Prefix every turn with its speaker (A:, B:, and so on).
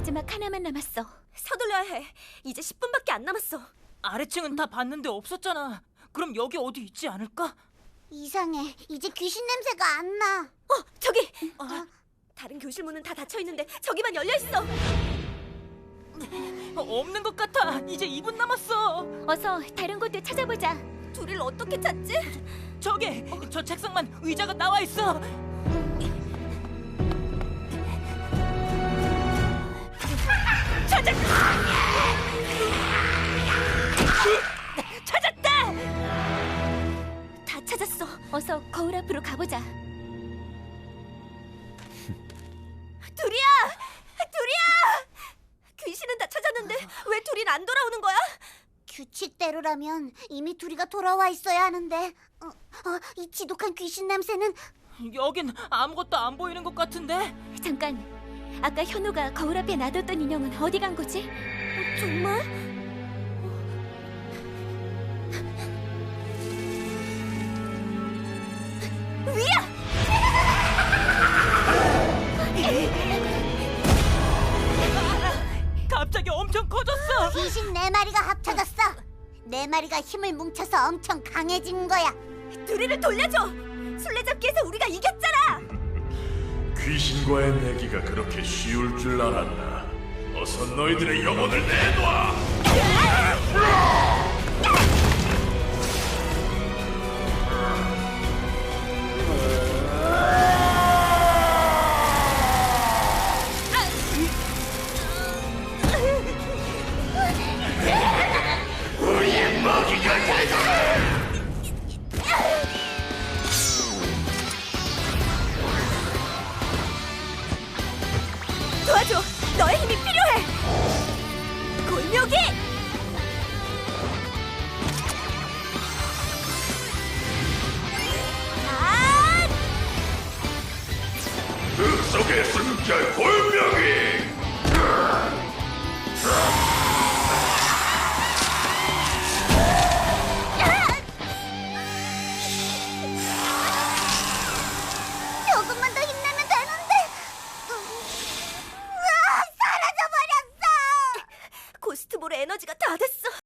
A: 마지막 하나만 남았어.
B: 서둘러야 해. 이제 10분밖에 안 남았어.
C: 아래층은 다 봤는데 없었잖아. 그럼 여기 어디 있지 않을까?
D: 이상해. 이제 귀신 냄새가 안 나.
B: 저기! 다른 교실 문은 다 닫혀 있는데 저기만 열려 있어.
C: 없는 것 같아. 이제 2분 남았어.
A: 어서 다른 곳도 찾아보자.
B: 둘이를 어떻게 찾지?
C: 저기 저 책상만 의자가 나와 있어. 찾았다!
B: 다 찾았어.
A: 어서 거울 앞으로 가보자.
B: 둘이야! 둘이야! 귀신은 다 찾았는데 왜 둘이는 안 돌아오는 거야?
D: 규칙대로라면 이미 둘이가 돌아와 있어야 하는데. 이 지독한 귀신 냄새는.
C: 여긴 아무것도 안 보이는 것 같은데?
A: 잠깐. 아까 현우가 거울 앞에 놔뒀던 인형은 어디 간 거지?
B: 정말?
C: 갑자기 엄청 커졌어.
D: 귀신 4마리가 합쳐졌어. 4마리가 힘을 뭉쳐서 엄청 강해진 거야.
B: 둘이를 돌려줘! 술래잡기에서 우리가 이겼잖아!
E: 귀신과의 내기가 그렇게 쉬울 줄 알았나? 어서 너희들의 영혼을 내놔! 우리의 먹이가 되거라!
B: 도와줘! 너의 힘이 필요해! 골묘기!
E: 흙 속에 숨결 골명이!